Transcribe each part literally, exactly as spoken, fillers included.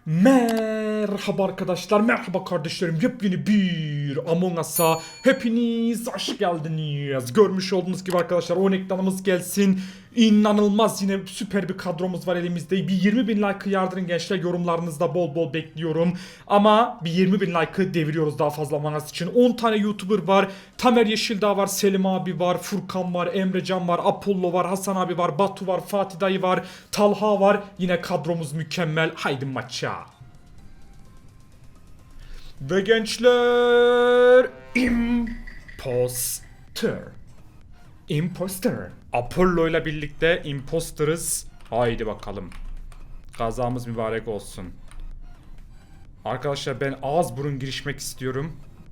Merhaba arkadaşlar, merhaba kardeşlerim. Yepyeni bir Among Us'a hepiniz hoş geldiniz. Görmüş olduğunuz gibi arkadaşlar on ekranımız gelsin. İnanılmaz yine süper bir kadromuz var elimizde. Bir yirmi bin like'ı yardırın gençler, yorumlarınızda bol bol bekliyorum. Ama bir yirmi bin like'ı deviriyoruz daha fazla Among Us için. on tane YouTuber var. Tamer Yeşildağ var, Selim abi var, Furkan var, Emrecan var, Apollo var, Hasan abi var, Batu var, Fatih dayı var, Talha var. Yine kadromuz mükemmel. Haydi maça. Ve gençler imposter. Imposter. Apollo ile birlikte imposterız. Haydi bakalım. Kazamız mübarek olsun. Arkadaşlar ben ağız burun girişmek istiyorum.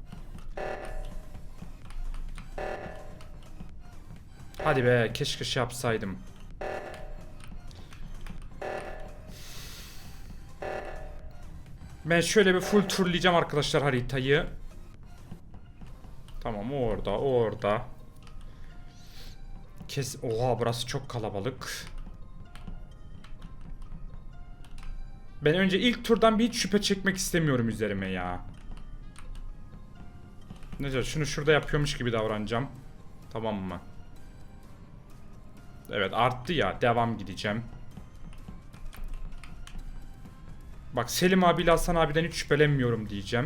Hadi be, keşke şey yapsaydım. Ben şöyle bir full turlayacağım arkadaşlar haritayı. Tamam, o orada, o orada. Kes. Oha, burası çok kalabalık. Ben önce ilk turdan bir hiç şüphe çekmek istemiyorum üzerime ya. Neyse, şunu şurada yapıyormuş gibi davranacağım. Tamam mı? Evet, arttı ya, devam gideceğim. Bak, Selim abiyle Hasan abiden hiç şüphelenmiyorum diyeceğim.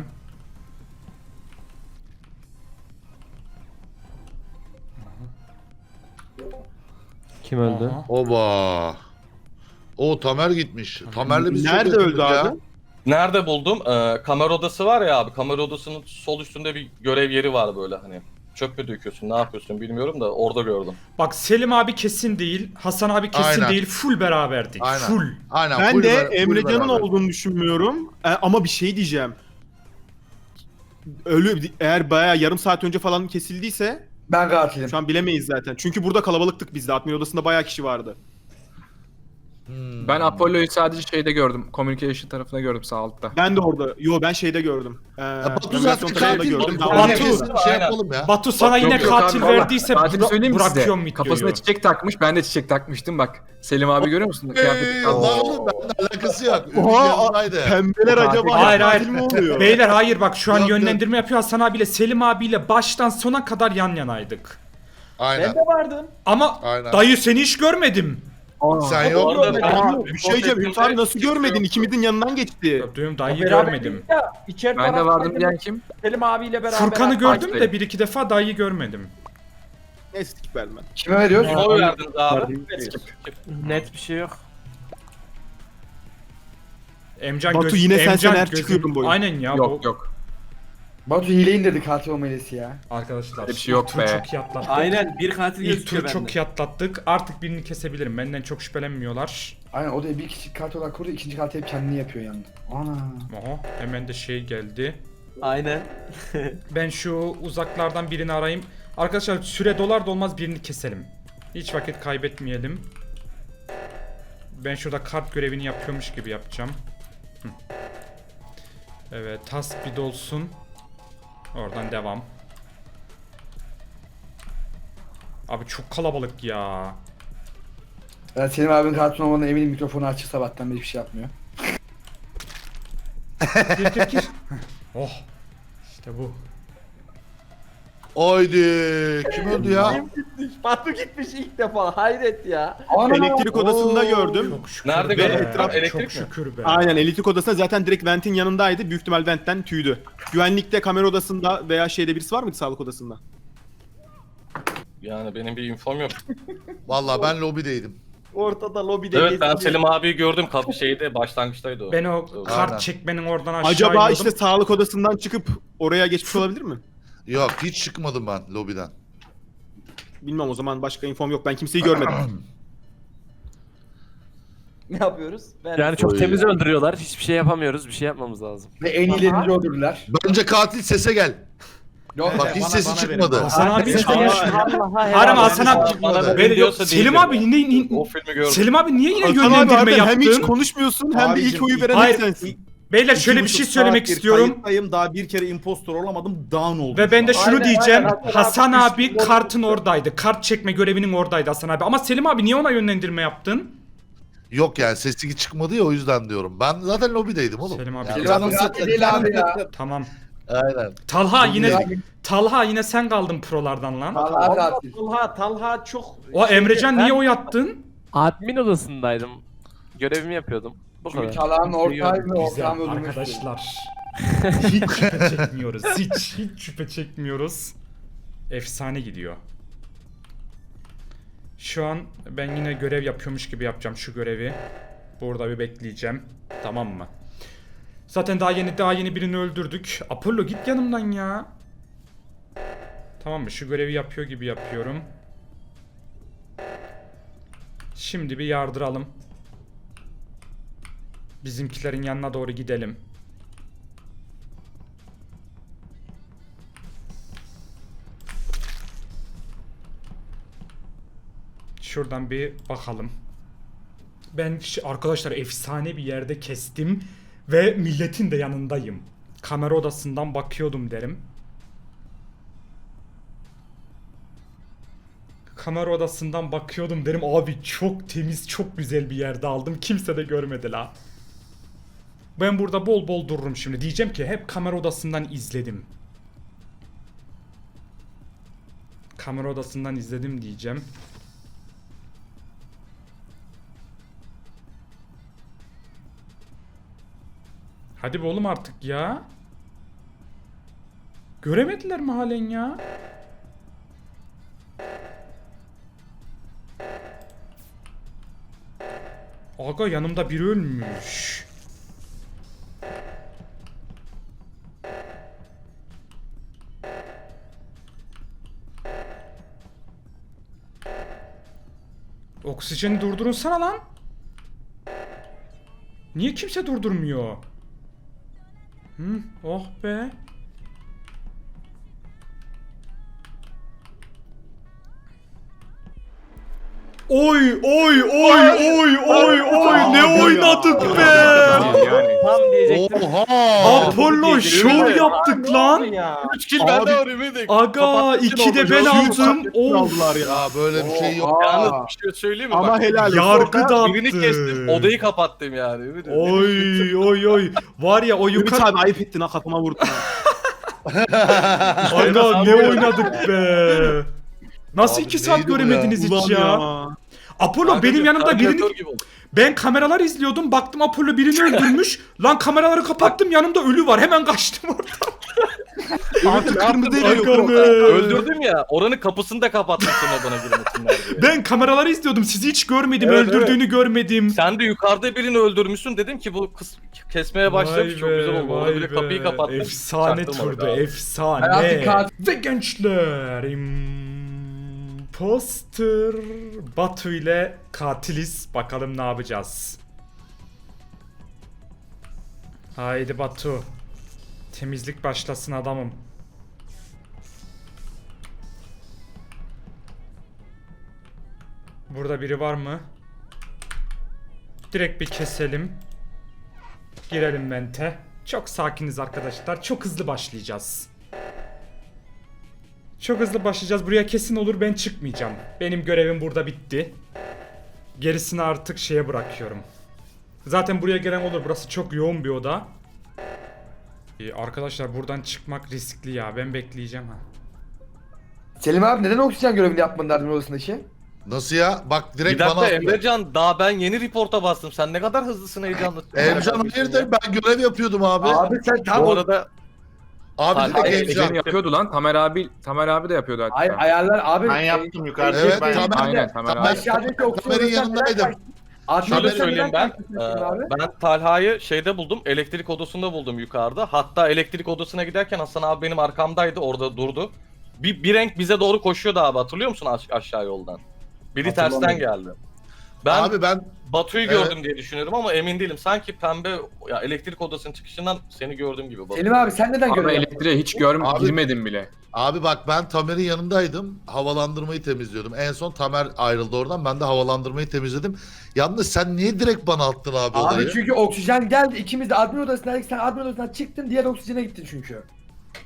Kim öldü? Aha. Oba. O Tamer gitmiş. Tamer'le biz Nerede çok öldü yakındık abi? ya. Nerede buldum? Ee, kamera odası var ya abi. Kamera odasının sol üstünde bir görev yeri var böyle hani. Çöp mü döküyorsun, ne yapıyorsun bilmiyorum da orada gördüm. Bak, Selim abi kesin değil, Hasan abi kesin Aynen. değil, full beraberdik. Aynen. Full. Aynen. Ben full de ber- full Emrecan'ın beraber. olduğunu düşünmüyorum. E, ama bir şey diyeceğim. Ölü eğer bayağı yarım saat önce falan kesildiyse Ben katilim. şu an bilemeyiz zaten. Çünkü burada kalabalıktık biz de. Admin odasında bayağı kişi vardı. Hmm. Ben Apollo'yu sadece şeyde gördüm. Communication tarafında gördüm, sağ altta. Ben de orada. Yo, ben şeyde gördüm. Ee, Ya Batu navigasyon zaten tarafında katil. gördüm. Batu, Ben Batu- kesin orada- şey Aynen. yapalım ya. Batu sana Yok, yine yok katil abi, valla. verdiyse Katil bıra- söyleyeyim mi size? bırakıyorum videoyu. Kafasına çiçek takmış, ben de çiçek takmıştım bak. Selim abi görüyor musun? Kıyafeti Eee, kalmış. lan oğlum benimle alakası yok. Ümit Oha, yanındaydı. Pembeler Katil. acaba Hayır, katil hayır. mi oluyor? Beyler hayır, bak şu an Yok, yok. yönlendirme yapıyor. Hasan abiyle Selim abiyle baştan sona kadar yan yanaydık. Aynen. vardım. Ama Aynen. dayı seni hiç görmedim. Sen yok Orada- muydun? Aa, bir şey diyeceğim. Ümit abi nasıl görmedin? İkimizin yanından geçti. Gördüğüm dayıyı görmedim. Ya, içeri Ben de tarafta vardım diyen kim? Selim abiyle beraber. Furkan'ı gördüm Fatih de bir iki defa dayıyı görmedim. Neyse skip verdim ben. Kime veriyoruz? Kime oy verdiniz abi? Net bir şey yok. Emcan Batu, göz- yine sen Emcan Sener gözüm- çıkıyordun bu oyun. Aynen ya. Yok bu... yok. Batu hile indirdi katil olmalıyız ya. Arkadaşlar Öyle bir şey yok ilk tur be. çok iyi atlattık. Aynen bir katil İlk gözüküyor tur bende. çok iyi atlattık. Artık birini kesebilirim. Benden çok şüphelenmiyorlar. Aynen, o da bir kişi katil olarak kurdu, ikinci katil hep kendini yapıyor yanında. Ana. Oha, hemen de şey geldi. Aynen. Ben şu uzaklardan birini arayayım. Arkadaşlar süre dolar dolmaz birini keselim. Hiç vakit kaybetmeyelim. Ben şurada kart görevini yapıyormuş gibi yapacağım. Hı. Evet, task bir dolsun. Oradan devam. Abi çok kalabalık ya. Ben Selim abinin katil olmadığına eminim, mikrofonu açık sabahtan beri bir şey yapmıyor. Gir gir gir. Oh. İşte bu. Oydi. Kim öldü ya? Gitmiş. Batu gitmiş ilk defa. Hayret ya. Ana. Elektrik odasında Oo. gördüm. Çok şükür Nerede be. gördün? Etraf- Elektrik Çok mi? şükür be. Aynen, elektrik odasında zaten direkt ventin yanındaydı. Büyük ihtimal ventten tüydü. Güvenlikte, kamera odasında veya şeyde birisi var mıydı, sağlık odasında? Yani benim bir infom yok. Vallahi ben lobideydim. Ortada lobide Evet, ben geziyor. Selim abiyi gördüm. Kapı şeyde başlangıçtaydı o. Ben o kart Aynen. çekmenin oradan aşağı Acaba iniyordum. işte sağlık odasından çıkıp oraya geçmiş olabilir mi? Yok, hiç çıkmadım ben lobiden. Bilmem, o zaman başka infom yok. Ben kimseyi görmedim. Ne yapıyoruz? Ben... Yani çok Oy. temiz öldürüyorlar. Hiçbir şey yapamıyoruz. Bir şey yapmamız lazım. Ve en iyilerini öldürdüler. Bence katil sese gel. Yok, Bak hiç sesi çıkmadı. Hasan abi hiç Aa, konuşmuyor. Allah'a Harem helal Hasan abi. Bana Ben- böyle yok, diyorsa Selim değildir abi ya. yine, yine- O filmi gördüm. Selim abi niye yine Hasan abi yönlendirme harbiden hem hiç yaptın? konuşmuyorsun hem de Abicim, ilk oyu veren hayır. hep sensin. Beyler şöyle bir şey söylemek istiyorum. Kayıttayım, daha bir kere impostor olamadım. Down oldum. Ve ben de şunu Aynen, diyeceğim. aynen, Hasan Hasan abi abi üstüne kartın oturdu. oradaydı. Kart çekme görevinin oradaydı Hasan abi. Ama Selim abi niye ona yönlendirme yaptın? Yok yani sesi çıkmadı ya o yüzden diyorum. Ben zaten lobideydim oğlum. Selim abi. Yani- Selim abi rahat değil abi ya. Tamam. Aynen. Talha yine Abi, Talha yine sen kaldın prolardan lan. Talha katil. Talha, Talha çok... O Emrecan Ben- niye oy attın? Admin odasındaydım. Görevimi yapıyordum. Bu Çünkü kadar. Talha'nın ortağı ve Güzel ortağım öldürmüştü. arkadaşlar. Hiç şüphe çekmiyoruz. Hiç hiç şüphe çekmiyoruz. Efsane gidiyor. Şu an ben yine görev yapıyormuş gibi yapacağım şu görevi. Burada bir bekleyeceğim. Tamam mı? Zaten daha yeni daha yeni birini öldürdük. Apollo git yanımdan ya. Tamam mı? Şu görevi yapıyor gibi yapıyorum. Şimdi bir yardıralım. Bizimkilerin yanına doğru gidelim. Şuradan bir bakalım. Ben ş- arkadaşlar efsane bir yerde kestim ve milletin de yanındayım. Kamera odasından bakıyordum derim. Kamera odasından bakıyordum derim. Abi çok temiz, çok güzel bir yerde aldım. Kimse de görmedi la. Ben burada bol bol dururum şimdi. Diyeceğim ki hep kamera odasından izledim. Kamera odasından izledim diyeceğim. Hadi be oğlum artık ya. Göremediler mi halen ya? Aga yanımda biri ölmüş. Oksijeni durdurunsana lan. Niye kimse durdurmuyor? Hı, oh be. Oy oy oy oy oy oy ne oynadık be. Yani. Tam diyecektim. Oha! Apollo şov yaptık lan. Ya. üç kill bende var Ümit. Aga iki de ben aldım. Of. Aldılar ya. Ya böyle bir şey yok. Yalnız Aa. bir şey söyleyeyim mi? Ama Bak, helal olsun. Yargı Orada- birini kestim, dağıttı. odayı kapattım yani. Ümit. Oy oy oy. Var ya o Ümit yukarı. abi ayıp ettin ha kafama vurdun ha. Aga ne oynadık be. Nasıl Abi iki saat neydi bu göremediniz hiç Ulan ya? ya. Apollo Kanka benim diyor, yanımda radyatör birini... gibi oldu. Ben kameralar izliyordum. Baktım Apollo birini öldürmüş. Lan kameraları kapattım. Yanımda ölü var. Hemen kaçtım oradan. Artık kırmızı Aga eriyor. be. Öldürdüm ya, oranın kapısını da kapattım sonra bana girmesinler diye. Ben kameraları izliyordum. Sizi hiç görmedim. Evet, Öldürdüğünü görmedim. Sen de yukarıda birini öldürmüşsün, dedim ki bu kız kesmeye başlamış, Vay çok be, güzel oldu. Orada vay bile be. kapıyı kapattım. Efsane çaktırmadık turdu. abi. Hayatı Efsane. katil. Ve gençler. Imposter Batu ile katiliz. Bakalım ne yapacağız. Haydi Batu. Temizlik başlasın adamım. Burada biri var mı? Direkt bir keselim. Girelim vente. Çok sakiniz arkadaşlar. Çok hızlı başlayacağız. Çok hızlı başlayacağız. Buraya kesin olur, ben çıkmayacağım. Benim görevim burada bitti. Gerisini artık şeye bırakıyorum. Zaten buraya gelen olur. Burası çok yoğun bir oda. Ee, arkadaşlar buradan çıkmak riskli ya. Ben bekleyeceğim ha. Selim abi neden oksijen görevini yapmadın admin odasındaki? Nasıl ya? Bak direkt Bir dakika bana attı. Emrecan, daha ben yeni reporta bastım. Sen ne kadar hızlısın, heyecanlısın. Emrecan hayırdır ben görev yapıyordum abi. Abi, Abi sen tam Bu arada direkt Hayır, Emrecan. Ece'nin yapıyordu lan. Tamer abi Tamer abi de yapıyordu hatta. Ay, ayarlar abi. Ben yaptım yukarıda. Evet ben Tamer. Aynen Tamer Tamer- abi. Aşağıdaki oksijen Tamer'in odasından neden yanındaydım. kaçtın? Admin şöyle odasından söyleyeyim neden ben. kaçtın Ee, Selim abi? ben Talha'yı şeyde buldum. Elektrik odasında buldum yukarıda. Hatta elektrik odasına giderken Hasan abi benim arkamdaydı. Orada durdu. Bir, bir renk bize doğru koşuyordu abi. Hatırlıyor musun aş- aşağı yoldan? Biri tersten Hatırlamıyorum. geldi. Ben Abi ben Batu'yu Evet. gördüm diye düşünüyorum ama emin değilim. Sanki pembe ya elektrik odasının çıkışından seni gördüm gibi. Batu. Selim abi sen neden Abi görev yapmadın? elektriğe hiç görm Abi- girmedim bile. abi bak ben Tamer'in yanındaydım. Havalandırmayı temizliyordum. En son Tamer ayrıldı oradan. Ben de havalandırmayı temizledim. Yalnız sen niye direkt bana attın abi, Abi odayı? çünkü oksijen geldi. İkimiz de admin odasındaydık. Sen admin odasından çıktın. Diğer oksijene gittin çünkü.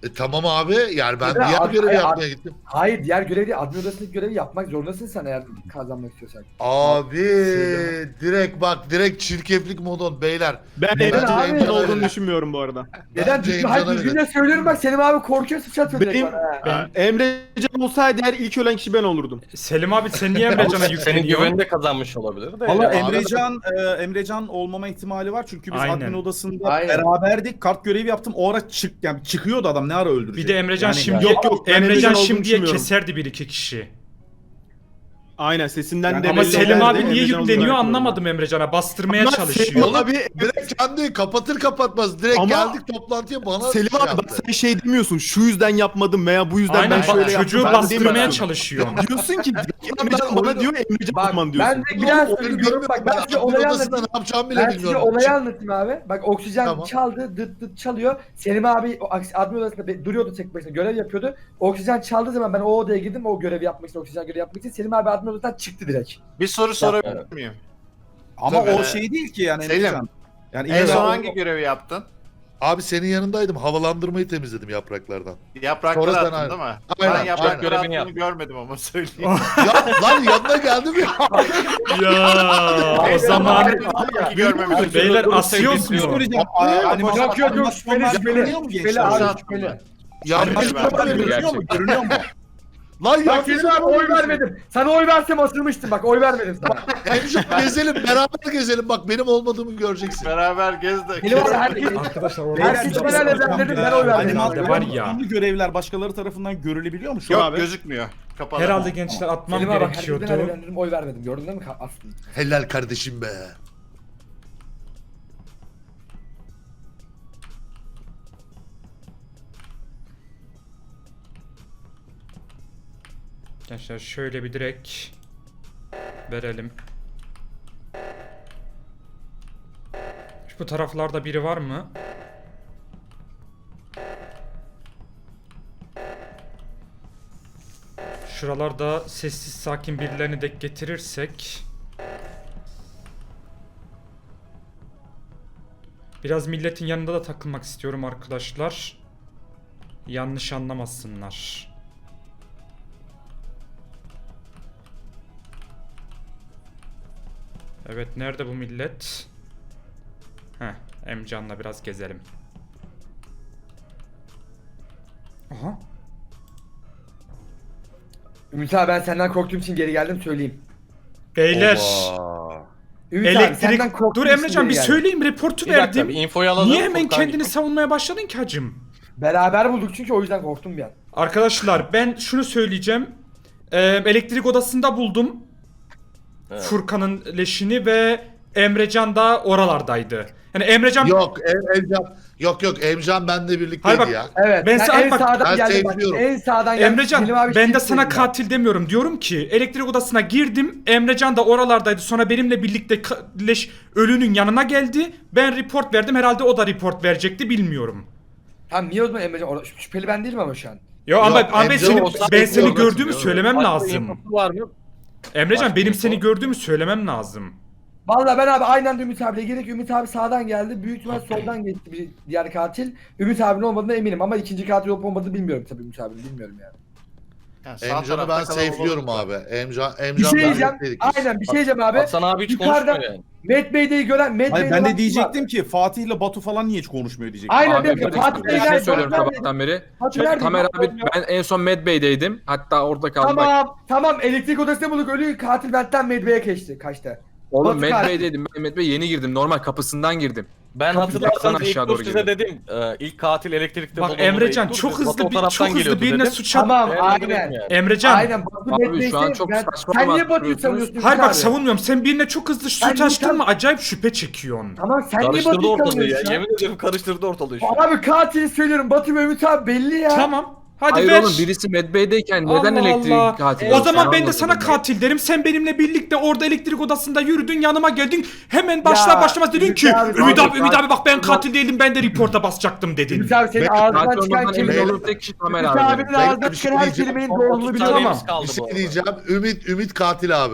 E, tamam abi yani ben Ya, diğer abi, görevi hayır, yapmaya abi. gittim. Hayır diğer görevi değil. Admin odasındaki görevi yapmak zorundasın sen eğer kazanmak istiyorsan. Abi Söyleme. direkt bak direkt çirkeflik modon beyler. Ben Bence Emre'nin abi- Emre'nin olduğunu düşünmüyorum bu arada. Neden? Bence Düzgün, hayır Emrecan'a düzgün verin. de söylüyorum bak Selim abi korkuyor sıçratıyor direkt Benim bana. ha. Emrecan olsaydı eğer ilk ölen kişi ben olurdum. Selim abi sen niye Emrecan'a Senin yükleniyorsun? güveninde kazanmış olabilir de. Valla Yani. Emrecan, e, Emrecan olmama ihtimali var çünkü biz Aynen. admin odasında Aynen. beraberdik. Kart görevi yaptım. O ara çık yani çıkıyordu adam ne ara öldürecek. Bir de Emrecan Yani- şimdi Yok, yok, ben Emrecan Emrecan olduğunu şimdiye düşünmüyorum. keserdi bir iki kişi. Aynen sesinden Yani de Ama belli Selim ederdi, abi niye Emrecan yükleniyor olarak anlamadım Emrecan'a. Bastırmaya Ama çalışıyor. Selim Oğlum abi direkt kendi kapatır kapatmaz direkt Ama- geldik toplantıya bana Selim şey abi yaptı. bak sen şey demiyorsun şu yüzden yapmadım veya bu yüzden Aynen ben bak şöyle yaptım. çocuğu Ben bastırmaya demiyorsun. çalışıyor. Diyorsun ki Emrecan bana diyor Emrecan Bak olman ben diyorsun. de bir daha Oyunu söylüyorum bilmiyorum bak ben size olayı odasında anlatayım. ne yapacağımı bile Ben size bilmiyorum. olayı Çık- anlatayım abi. Bak oksijen Tamam. çaldı, dıt dıt çalıyor. Selim abi o aks- admin odasında be- duruyordu tek başına, görev yapıyordu. Oksijen çaldığı zaman ben o odaya girdim, o görevi yapmak için, oksijen görevi yapmak için. Selim abi admin odasından çıktı direkt. Bir soru sorabilir miyim? Ama Tabii. o şey değil ki yani Selim, Emrecan. Yani En illa son o- hangi görevi yaptın? Abi senin yanındaydım havalandırmayı temizledim yapraklardan. Yaprakları Sonra sen attın aynen. değil mi? Aynen, Ben yaprakları aynen. attığını Görevini görmedim ama söyleyeyim. ya lan yanına geldim ya. Ya o zaman Sanki görmemişim. beyler Dur, asıyoruz sevgili mu? Söyleyeceğim. Aa, animasyon- Yok yok yok animasyonlar şüpheli şüpheli. görünüyor mu Şüpheli gençler? abi Zaten şüpheli. ben. Yanlış Animasyonlar görünüyor mu? Görünüyor mu? Lan Bak Selim abi oy vermedim. Sana oy versem asılmıştım bak, oy vermedim sana. Emcan gezelim beraber gezelim bak benim olmadığımı göreceksin. Beraber gez de. Selim abi herkes... Arkadaşlar Ben orada siz bana ne ben dedim, ben oy vermedim. Herhalde var ya. Animasyonlu görevler başkaları tarafından görülebiliyor mu şu Yok abi? gözükmüyor. Kapalı. Herhalde gençler atmam Selim abi bak herkes gerekiyordu. ben dedim, oy vermedim. Gördün değil mi aslında? Helal kardeşim be. Gençler şöyle bir direkt verelim. Bu taraflarda biri var mı? Şuralarda sessiz sakin birilerini de getirirsek. Biraz milletin yanında da takılmak istiyorum arkadaşlar. Yanlış anlamasınlar. Evet, nerede bu millet? Heh, Emcan'la biraz gezelim. Aha. Ümit abi ben senden korktuğum için geri geldim söyleyeyim. Beyler. Oba. Ümit abi Elektrik. senden korktuğum Dur için Emrecan geri bir geldim. söyleyeyim, reportu Bir dakika verdim. bir infoyu alalım. Niye hemen Furkan kendini gibi. savunmaya başladın ki hacım? Beraber bulduk çünkü o yüzden korktum bir an. Arkadaşlar ben şunu söyleyeceğim. Ee, elektrik odasında buldum Evet. Furkan'ın leşini ve Emrecan da oralardaydı. Yani Emrecan... Yok em, Emcan. Yok yok Emcan benle birlikteydi Hayır bak, ya. Evet. Ben Ben, sana- en bak, sağdan ben geldim bak. sevmiyorum. En sağdan geldim. Emrecan Selim abi ben de şey sana söyledi katil demiyorum. Diyorum ki elektrik odasına girdim. Emrecan da oralardaydı. Sonra benimle birlikte ka- leş ölünün yanına geldi. Ben report verdim. Herhalde o da report verecekti, bilmiyorum. Tamam niye o zaman Emrecan orada şüpheli ben değilim ama şu an. Yo ama, Yok, ama ben Emrecan seni, olsa ben yok, seni yok, gördüğümü yok. söylemem Başka lazım. infosu var mı? Emrecan Başka benim info. seni gördüğümü söylemem lazım. Vallahi ben abi aynen de Ümit abiyle gerek Ümit abi sağdan geldi. Büyük ihtimal soldan geçti bir diğer katil. Ümit abinin olmadığına eminim ama ikinci katil olup olmadığını bilmiyorum tabii Ümit abinin bilmiyorum yani. Yani sağ Emcan'ı tarafta ben kalan safe'liyorum olur. abi. Emcan Bir Emcan şey benle diyeceğim. birlikteydik biz. Aynen bir şey diyeceğim abi. Hasan abi hiç Yukarıda- konuşmuyor yani. Matt Bey'deyi gören Matt Hayır Bey'de ben olan de diyecektim ki Fatih ile Batu falan niye hiç konuşmuyor diyecektim. Aynen Abi değil bir mi? de Fatih bir Bey'den şey söylüyorum Batu sabahtan beri. Batu Şimdi nerede? Tamer Batu abi yok. ben en son Mad Bey'deydim. Hatta orada kaldım. Bak, Tamam tamam elektrik odasında bulduk ölü katil benden Matt Bey'e geçti kaçtı. oğlum Batu Mad katil. Bey'deydim. Ben Mad Bey yeni girdim. Normal kapısından girdim. Ben Kapıdan hatırlarsanız ilk aşağı tur doğru size gidiyor. dedim. e, ilk katil elektrikte Bak bulunduğunda Emrecan ilk tur, çok Batu o hızlı bir taraftan çok hızlı geliyordu birine dedim. suç at. Tamam Ben dedim aynen. yani. Emrecan. Aynen Batu Abi Matt şu Bey'se an çok ben- saçma sen niye Batu'yu bahsediyorsunuz. savunuyorsun? Hayır Ümit bak abi? savunmuyorum. Sen birine çok hızlı Sen suç açtın niye- mı acayip şüphe çekiyorsun. Tamam sen niye Karıştırdı Batu'yu ortalığı ya. savunuyorsun ya? Yemin ederim karıştırdı ortalığı şu an. Abi katili söylüyorum Batu ve Ümit abi belli ya. Tamam. Hadi Hayır ver. oğlum birisi Mad Bey'deyken neden Allah elektriğin Allah. katili O olsun? zaman ben de Anlamadım sana ben. katil derim. Sen benimle birlikte orada elektrik odasında yürüdün, yanıma geldin. Hemen başlar Ya, başlamaz dedin Ümit ki abi, Ümit abi, abi Ümit abi bak ben abi. katil değildim, ben de reporta basacaktım dedin. Ümit abi senin Ben- ağzından Katil çıkan olmadan emin kelimenin olduğum tek kişi Tamer Ümit abi. abinin Ben ağzından bir şey çıkan her diyeceğim. kelimenin Son doğruluğunu otuz biliyorum ama. saniyemiz kaldı Bir bu şey arada. diyeceğim. Ümit Ümit katil abi.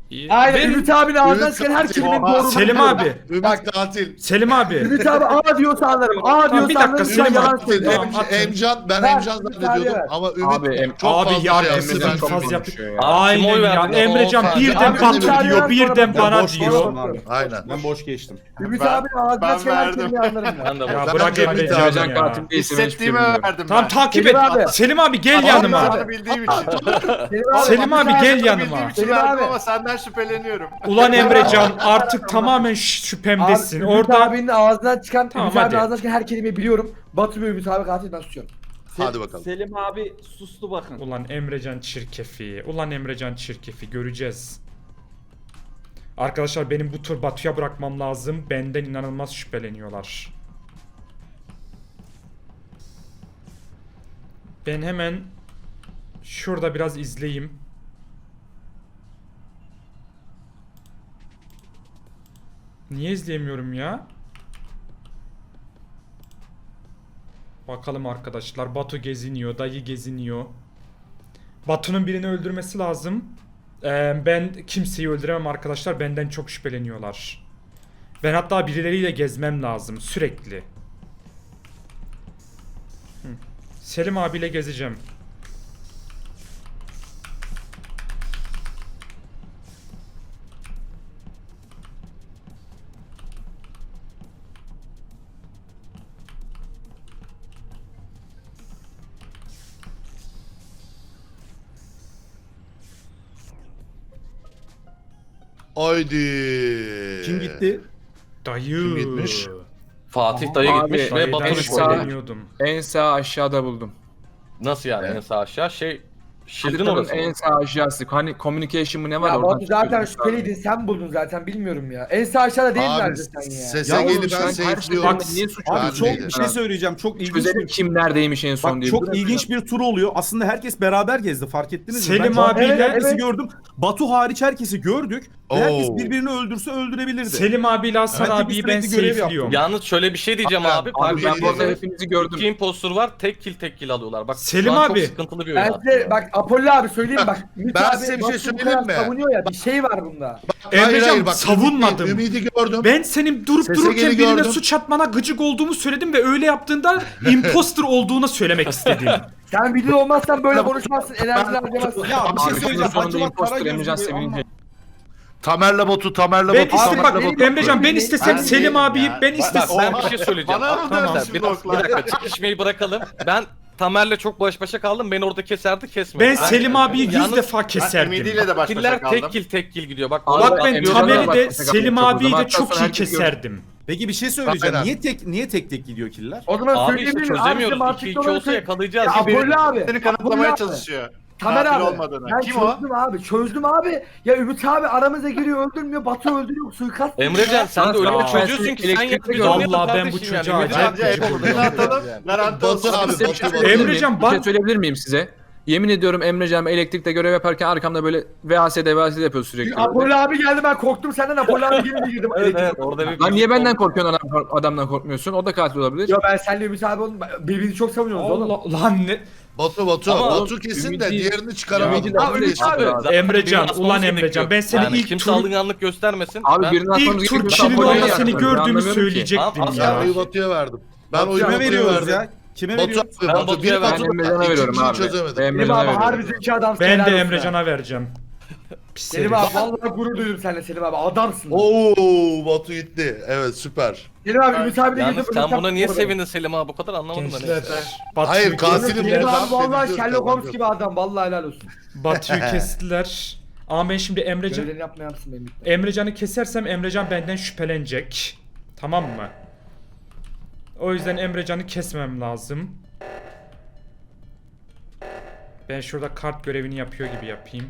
İyi. Aynen Verin. Ümit abinin ağzından Ümit çıkan her katil. kelimenin Oha. doğru. Selim abi. Ümit Bak. katil. Selim abi. Ümit abi A diyorsa anlarım. A Tamam, diyorsa bir dakika, anlarım. Selim Ben yalan abi. söylüyorum. Tamam, Em- atın. Emcan, ben Ver, Emcan Ümit zannediyordum abi. ama Ümit Abi, em- çok Abi fazla ya şey yaptı. sizin Ben faz çok yaptı. konuşuyor ya. Aynen Kim oy ya. verdi? Emrecan Tamam, birden abi, Batu Ümit abi diyor, sonra birden ben- bana boş diyor. geçtim abi. Aynen. Ben boş geçtim. Ümit Ben- abinin ağzından ben çıkan her verdim. kelimeyi anlarım ben. Ben de Ya bu. Ben bırak de Ümit Emrecan'ı Emrecan ya. katil değilse ben hiçbir şey Hissettiğimi bilmiyorum. verdim Tamam ben. takip Selim et. abi. Selim abi gel Abi, yanıma. abi. Onu bildiğim için. Selim abi Ümit gel abi- yanıma. Bildiğim için Selim verdim abi. ama senden şüpheleniyorum. Ulan Emrecan artık tamamen ş- Abi şüphemdesin. Ümit Orada abinin ağzından çıkan, Tamam, Ümit abinin hadi. ağzından çıkan her kelimeyi biliyorum. Batu ve Ümit abi katil ben susuyorum. Hadi bakalım. Selim abi sustu bakın. Ulan Emrecan çirkefi. Ulan Emrecan çirkefi. Göreceğiz. Arkadaşlar benim bu tur Batu'ya bırakmam lazım. Benden inanılmaz şüpheleniyorlar. Ben hemen şurada biraz izleyeyim. Niye izleyemiyorum ya? Bakalım arkadaşlar. Batu geziniyor. Dayı geziniyor. Batu'nun birini öldürmesi lazım. Ee, ben kimseyi öldüremem arkadaşlar. Benden çok şüpheleniyorlar. Ben hatta birileriyle gezmem lazım. Sürekli. Hı. Selim abiyle gezeceğim. Haydi. Kim gitti? Dayı. Kim gitmiş? Fatih dayı Abi, gitmiş ve Dayıdan Batu'nu Batu koydu. şüpheleniyordum. En sağ aşağıda buldum. Nasıl yani Evet. en sağ aşağı? Şey Shield'in Haritanın orası en mı? sağ aşağısı. Hani communication mı ne var Ya oradan Batu zaten çıkıyorsun. şüpheliydin, sen buldun zaten, bilmiyorum ya. En sağ aşağıda değil mi Abi nerede sen ya? sese Ya gelip oğlum, ben sen her safe'liyorum. şeyden niye suç Abi Ben çok değilim. bir şey söyleyeceğim. Çok ilginç Çözelim bir kim neredeymiş en son Bak diye. çok ilginç bir tur oluyor. Aslında herkes beraber gezdi. Fark ettiniz mi? Selim Ben abiyle- evet, herkesi Evet. gördüm. Batu hariç herkesi gördük. Ve herkes Oo. birbirini öldürse öldürebilirdi. Selim abiyle Hasan Ben de abiyi bir ben sürekli görev safe'liyorum. Yalnız şöyle bir şey diyeceğim Abi, abi. abi, Fark Ben bu arada ettiyseniz hepinizi gördüm. iki impostor var. Tek kill tek kill alıyorlar. Bak Selim şu an abi. çok sıkıntılı bir oyun Ben aslında. size bak Apollo abi söyleyeyim bak. Ümit Ben abi size bir şey Batu'yu bu söyleyeyim kadar mi? Savunuyor ya, bir şey var bunda. Hayır, Emrecan, hayır, bak, savunmadım. Ümidi, Ümidi gördüm. Ben senin durup Sese dururken geri birine gördüm. suç atmana gıcık olduğumu söyledim ve öyle yaptığında imposter olduğunu söylemek istedim. Sen video olmazsan böyle konuşmazsın, enerjini harcamazsın. Ya bir şey Abi şunun söyleyeceğim. sonunda Acaba imposter Karagöz Emrecan gibi sevinince. ama- Tamer'le Batu, Tamer'le Ben Batu, istem Tamer'le bak Batu. Emrecan ben istesem Ben Selim değilim abiyi ya. ben Bak, istesem. Ben bir şey söyleyeceğim. Bana Bak, mı tamam. dönsün Bir, bu dakika, bir oklar? dakika çekişmeyi bırakalım. Ben Tamer'le çok baş başa kaldım. Beni orada keserdi kesmedi. Ben Selim abiyi yüz Yalnız defa Ben keserdim. Ümidiyle de baş başa Killer kaldım. tek kill tek kill gidiyor. Bak, Abi, Bak orada ben Emrecan'a Tamer'i bak, de mesela Selim çok abiyi uzun. de Hatta çok sonra iyi herkes gördü. keserdim. Peki bir şey söyleyeceğim. Aynen. Niye tek niye tek tek gidiyor killer? O zaman Abi işte söyleyebilir miyim? çözemiyoruz. Abi, iki size iki mantıklı olsa olarak- yakalayacağız. Ya gibi. Apollo abi. Seni Apollo kanıtlamaya abi. çalışıyor. Tamer Katil abi. olmadığını. Ben Kim o? çözdüm abi. Çözdüm abi. Ya Ümit abi aramıza giriyor, öldürmüyor. Batu öldürüyor. Suikast. Emrecan sen de öyle bir Ben çözüyorsun seni ki sen yap elektrikte biz gördüm. oynayalım Vallahi ben kardeşim bu yani. çocuğa Ümit acayip abi- gıcık Hepimizi oluyorum. atalım. Garanti olsun. Batu abi, Size bir Batu, şey Batu. söyleyebilir Emrecan, miyim? bak- Bir şey söyleyebilir miyim size? Yemin ediyorum Emrecan elektrikte görev yaparken arkamda böyle V A S D V A S D yapıyor sürekli. Apollo abi geldi, ben korktum senden. Apollo abi geldi girdim. Evet evet orada bir... Lan niye benden korkuyorsun adam, adamdan korkmuyorsun? O da katil olabilir. Yo ben seninle Ümit abi oğlum birbirinizi çok savunuyoruz oğlum. Allah lan ne? Batu, Batu, Ama Batu kesin de Ümidi- diğerini çıkaramadım. Ümidi de Abi, Ümit abi. Zaten Emrecan, birini ulan asmamız Emrecan, gerekiyor. ben seni yani ilk kimse tur- alınganlık göstermesin. Abi ben... birini atmamız İlk tur gerekiyor. kilin Apollo'ya orada yardım seni ediyorum. gördüğümü Anlamıyorum ki. söyleyecektim Tamam, ya. Oyu Batu'ya verdim. Ben oyu Kime Batu'ya veriyoruz verdim. ya? Kime Batu veriyoruz? abi, Ben Batu, Batu'ya bir verdim. Batu, Ben Emrecan'a veriyorum ikinciyi abi. çözemedim. Ben Selim Emrecan'a abi veriyorum. harbi zeki adamsın. Ben helal de olsun. Emrecan'a vereceğim. Pis Selim herif. abi vallahi gurur duydum seninle Selim abi. Adamsın. Oo, Batu gitti. Evet, süper. Selim abi Ümit abi de Yalnız girdim. sen buna niye sevindin Selim abi? Bu kadar anlamadım ben. Gençler. işte. Batu'yu Hayır, kestiler. katilim Selim ben abi vallahi seviyorum, Sherlock Holmes ben gibi adam. Vallahi helal olsun. Batu'yu kestiler. Ama ben şimdi Emrecan Görevlerini yapma yapsın benim. Emrecan'ı kesersem Emrecan benden şüphelenecek. Tamam mı? O yüzden Emrecan'ı kesmem lazım. Ben şurada kart görevini yapıyor gibi yapayım.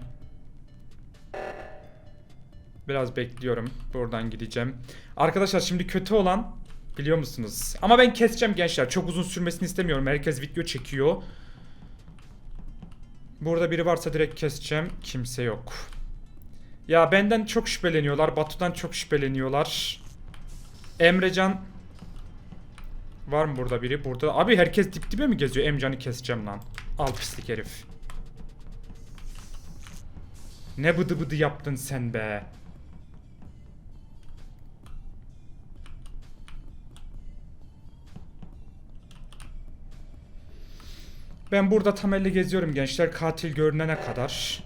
Biraz bekliyorum. Buradan gideceğim. Arkadaşlar şimdi kötü olan biliyor musunuz? Ama ben keseceğim gençler. Çok uzun sürmesini istemiyorum. Herkes video çekiyor. Burada biri varsa direkt keseceğim. Kimse yok. Ya benden çok şüpheleniyorlar. Batu'dan çok şüpheleniyorlar. Emrecan var mı burada biri? Burada. Abi herkes dip dibe mi geziyor? Emrecan'ı keseceğim lan. Al pislik herif. Ne bıdı bıdı yaptın sen be. Ben burada Tamer'le geziyorum gençler, katil görünene kadar.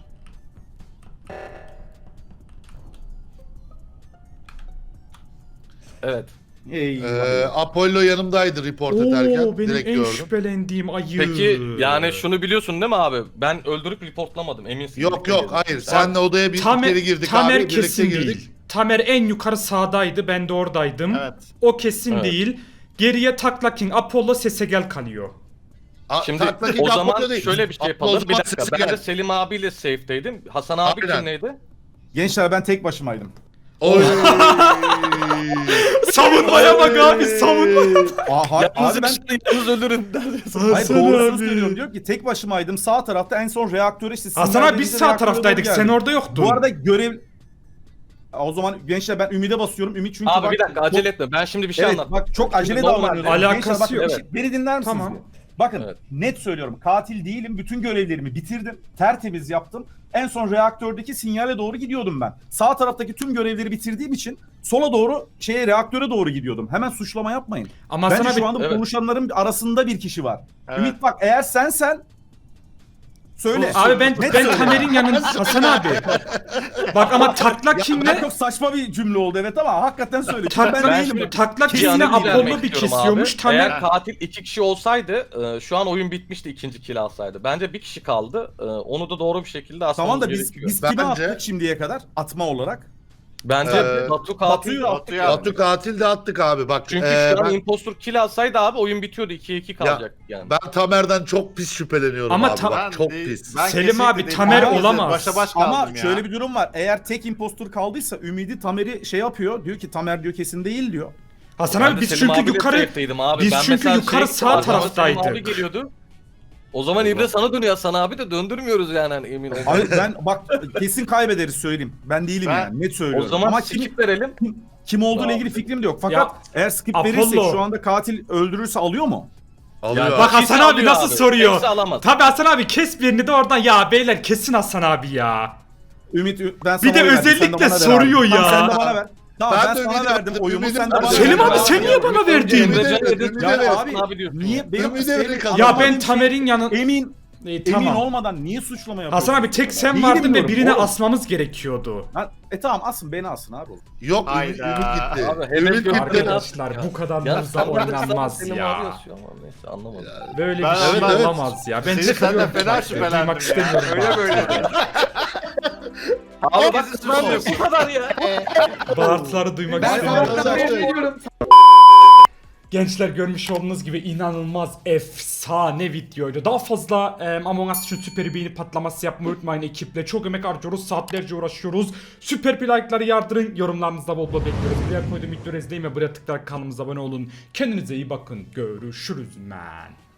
Evet. Ey, Ee, Apollo yanımdaydı report ederken. Oo, benim Direkt en gördüm. şüphelendiğim ayı. Peki yani şunu biliyorsun değil mi abi? Ben öldürüp reportlamadım eminsin. Yok yok hayır. Senle odaya bir Tamer, kere girdik Tamer abi. Birlikte kesin girdik. değil. Tamer en yukarı sağdaydı, ben de oradaydım. Evet. O kesin Evet. değil. Geriye Takla King, Apollo, Sesegel kalıyor. A- Şimdi Takla King o zaman Apollo değil. şöyle bir şey Apollo yapalım. Bir zaman dakika. sesi Ben de gel. Selim abiyle safe'deydim. Hasan abi Aynen. kimleydi? Gençler ben tek başımaydım. Oy. Savunmaya bak abi, savunmaya. Aa, ha- Yalnız abi ben ben... yalnız ölürüm. hayır Hasan doğrusunu abi. söylüyorum. Diyor ki tek başımaydım. Sağ tarafta en son reaktöre işte Hasan sinyal abi biz verince sağ reaktöre taraftaydık, doğru sen geldim. orada yoktun. Bu arada görev... O zaman gençler ben Ümit'e basıyorum. Ümit çünkü Abi bak, bir dakika çok- acele etme. Ben şimdi bir şey Evet anlatayım. bak çok acele Şimdi normal davranıyorsun. alakası Gençler, bakın, yok. bir şey- Beni dinler misiniz? Tamam. bir? Bakın Evet. net söylüyorum katil değilim. Bütün görevlerimi bitirdim. Tertemiz yaptım. En son reaktördeki sinyale doğru gidiyordum ben. Sağ taraftaki tüm görevleri bitirdiğim için sola doğru şeye reaktöre doğru gidiyordum. Hemen suçlama yapmayın. Ama Bence sana şu bir... anda Evet. konuşanların arasında bir kişi var. Evet. Ümit bak eğer sen sen söyle. Abi ben Net ben söyle. Tamer'in yanında Hasan abi. Bak ama Takla Ya, King'le çok saçma bir cümle oldu evet ama hakikaten söyle. Çünkü Tak- ben, ben değilim. şimdi- Takla Bir King'le yanı Apollo bildirmek bir istiyorum kesiyormuş. abi. Tamer Eğer katil iki kişi olsaydı e, şu an oyun bitmişti ikinci kill alsaydı. Bence bir kişi kaldı. E, Onu da doğru bir şekilde asmamız Tamam da biz gerekiyor. biz kime Bence- attık şimdiye kadar atma olarak? Bence Ee, Batu katil. Batu'yu attık. Batu'yu Batu katil de attık abi bak. Çünkü ee, şu an ben, impostor kill alsaydı abi oyun bitiyordu. ikiye iki kalacak yani. ben Tamer'den çok pis şüpheleniyorum Ama abi. ta- bak, Ben çok de- pis. ben Selim kesinlikle abi, değilim. Tamer Ben olamaz. Başa baş kaldım Ama ya. şöyle bir durum var. Eğer tek impostor kaldıysa Ümidi Tamer'i şey yapıyor. Diyor ki Tamer diyor kesin değil diyor. Hasan Ben abi de biz Selim çünkü abiyle yukarı safe'deydim abi. biz Ben çünkü mesela yukarı şey- sağ arkama Selim taraftaydık. abi geliyordu. O zaman İbre sana dönüyor Hasan abi de döndürmüyoruz yani hani emin ol. Hayır ben bak kesin kaybederiz söyleyeyim. Ben değilim Ben- yani net O söylüyorum. zaman Ama kim, skip verelim. kim olduğuyla Ya. ilgili fikrim de yok. Fakat Ya, eğer skip Apollo. verirsek şu anda katil öldürürse alıyor mu? Alıyor. Yani Bak Kimse Hasan abi alıyor nasıl abi. soruyor. Kimse alamaz. Tabi Hasan abi kes birini de oradan ya beyler kesin Hasan abi ya. Ümit Ü- ben sana Bir de oy verdim, sen de özellikle bana ver soruyor abi. ya. Tamam, sen de bana ver. Tamam Ben ben, de sana Ümit'e verdim verdim, oyumu Ümit'e sen de bana verdim. ver. Selim abi sen niye bana verdin? Ümide Emrecan ver, dedi, Ümide Ya ver. abi, abi diyorsun niye ya. benim Ümide benim ver kazan. Ya anlamadığım ben şey, Tamer'in yanı... emin E, emin tamam. olmadan niye suçlama yapıyorsun? Hasan abi tek sen Değilim vardın ve diyorum, birine oğlum. asmamız gerekiyordu. Lan, e tamam asın beni asın abi. Yok Ümit, Hayda. Ümit gitti. Abi, hemen Ümit gö- gitti. Arkadaşlar Ya. bu kadar Ya hızla sen de oynanmaz Selim abi ya. yazıyor ama neyse anlamadım. Böyle Ben bir şey evet, evet. olamaz ya. Ben Seni senden çıkıyorum. fena Bak, şüphelendim duymak ya. istemiyorum. Öyle bak. böyle. Abi bak Herkesi ben de suçluyorsun. bu kadar ya. Bağırtıları duymak Ben istemiyorum. sana veriyorum. Gençler görmüş olduğunuz gibi inanılmaz efsane videoydu. Daha fazla e, Among Us için süper beğeni patlaması yapmayı unutmayın ekiple. Çok emek harcıyoruz, saatlerce uğraşıyoruz. Süper bir like'ları yardırın, yorumlarınızda bol bol bekliyoruz. Buraya koyduğum videoları izleyin ve buraya tıklayarak kanalımıza abone olun. Kendinize iyi bakın, görüşürüz man.